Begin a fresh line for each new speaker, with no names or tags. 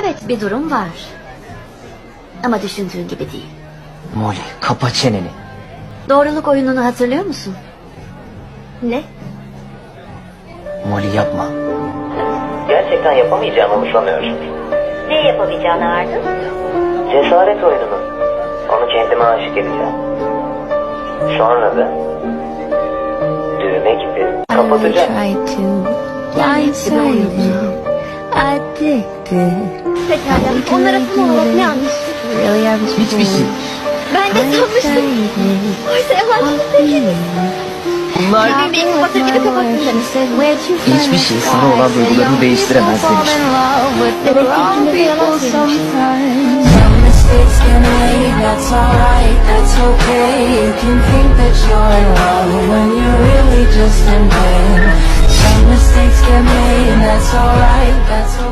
Evet, bir durum var. Ama düşündüğün gibi değil.
Molly, kapa çeneni.
Doğruluk oyununu hatırlıyor musun? Ne?
Molly yapma.
Gerçekten yapamayacağımı umursamıyorum.
Ne yapabileceğini Ardın?
Cesaret oyununu. Onu kendime aşık edeceğim. Sonra da düğme gibi kapatacağım.
Pekala, onlara tam olarak ne anlaştık?
Hiçbir şey.
Ben de sanmıştım. Oysa yalancı değiliz.
Bunlar
Benim bir kapatır gibi kapattın demek.
hiçbir şey sana olan duygularını değiştiremez demiştim.
Demek ki ikimiz de yalan söylemişiz.
Some mistakes get made, that's alright, that's okay. You can think that you're in love when you're really just in pain. Some mistakes get made, that's alright, that's okay.